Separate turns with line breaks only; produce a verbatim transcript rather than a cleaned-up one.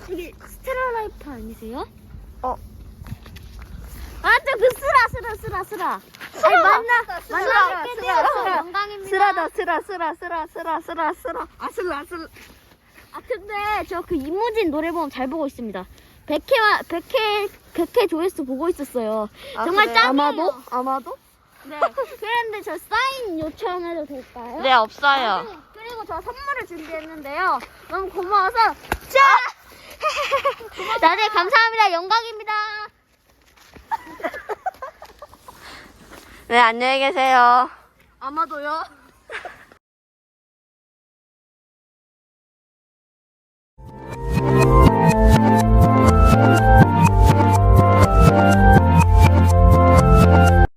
여기 스테라라이프 아니세요?
어.
맞아, 그 쓰라, 쓰라, 쓰라, 쓰라. 아니, 만나, 만나뵙게
쓰라,
되어서
쓰라.
영광입니다.
쓰라다 쓰라 쓰라 쓰라 쓰라 쓰라 쓰라 아슬라 아슬라.
아, 근데 저 그 이무진 노래범 잘 보고 있습니다. 백 회와, 백 회, 백 회 조회수 보고 있었어요.
아,
정말
그래요?
짱이에요.
아마도? 아마도?
네. 그런데 저 사인 요청해도 될까요?
네, 없어요.
그리고, 그리고 저 선물을 준비했는데요. 너무 고마워서 자! 나네 감사합니다. 영광입니다.
네, 안녕히 계세요.
아마도요.